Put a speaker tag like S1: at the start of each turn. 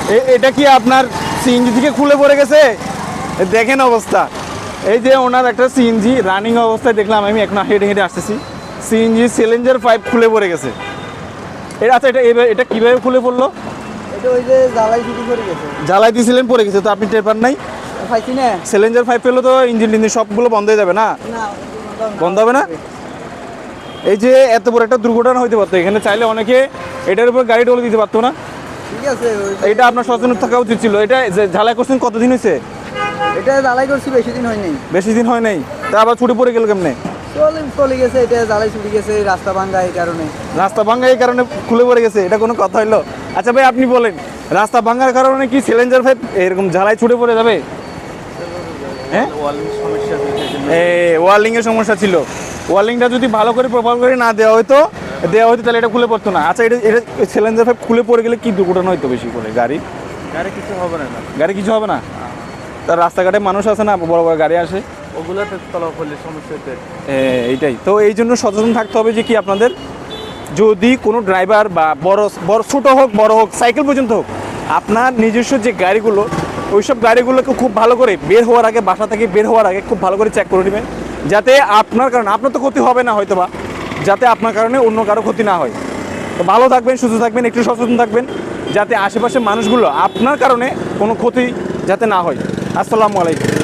S1: এটা কি আপনার সিএনজি থেকে খুলে পড়ে গেছে? দেখেন অবস্থা। এই যে ওনার একটা সিএনজি রানিং অবস্থায় দেখলাম আমি, এখন হেঁটে হেঁটে আসতেছি, সিএনজি সিলিন্ডার পাইপ খুলে পড়ে গেছে। এটা আচ্ছা, এটা কীভাবে খুলে পড়লো?
S2: এটা ওই যে জ্বালাই ছুটি করে গেছে,
S1: জ্বালাই দিয়েছিলেন পড়ে গেছে, তো আপনি টের পান নাই?
S2: পাইছি না
S1: সিলিন্ডার পাইপ পেলে তো ইঞ্জিন টিঞ্জিন সবগুলো বন্ধ হয়ে যাবে না?
S2: না
S1: বন্ধ হবে না? এই যে এত বড় একটা দুর্ঘটনা হইতে পারতো, এখানে চাইলে অনেকে এটার উপর গাড়ি ডলে দিতে পারতো না?
S2: ঠিক আছে,
S1: এটা আপনার সচেতন থাকা উচিত ছিল। এটা যে ঝালাই করছেন কতদিন হয়েছে?
S2: এটা জ্বালাই করছি বেশি দিন হয়নি।
S1: বেশি দিন হয় নাই, তা আবার ছুটে পড়ে গেল কেমনে?
S2: চলে গেছে, এটা জ্বালাই ছুটি গেছে, রাস্তা ভাঙ্গা এই কারণে।
S1: রাস্তা ভাঙ্গা এই কারণে খুলে পড়ে গেছে, এটা কোনো কথা হইলো? আচ্ছা ভাই আপনি বলেন, রাস্তা ভাঙ্গার কারণে কি সিলিন্ডার পাইপ এরকম ঝালাই ছুটে পড়ে যাবে? হ্যাঁ, ওয়ার্লিং এর সমস্যা ছিল। ওয়ার্লিংটা যদি ভালো করে প্রপার করে না দেওয়া হতো তাহলে এটা খুলে পড়তো না। আচ্ছা, এটা সিলিন্ডার পাইপ খুলে পড়ে গেলে কি দুর্ঘটনা হইতো বেশি করে? গাড়ি
S2: কিছু হবে না।
S1: গাড়ি কিছু হবে না? তার রাস্তাঘাটে মানুষ আছে না, বড় বড় গাড়ি আসে,
S2: ওগুলোতে তলা করলে সমস্যা হতে।
S1: এইটাই তো, এই জন্য সচেতন থাকতে হবে যে কি আপনাদের, যদি কোনো ড্রাইভার বা বড় ছোট হোক বড় হোক সাইকেল পর্যন্ত হোক, আপনার নিজস্ব যে গাড়িগুলো, ওইসব গাড়িগুলোকে খুব ভালো করে বের হওয়ার আগে, বাসা থেকে বের হওয়ার আগে খুব ভালো করে চেক করে নেবেন, যাতে আপনার কারণে, আপনার তো ক্ষতি হবে না হয়তো বা, যাতে আপনার কারণে অন্য কারো ক্ষতি না হয়। তো ভালো থাকবেন, সুস্থ থাকবেন, একটু সচেতন থাকবেন, যাতে আশেপাশের মানুষগুলো আপনার কারণে কোনো ক্ষতি যাতে না হয়। আসসালামু আলাইকুম।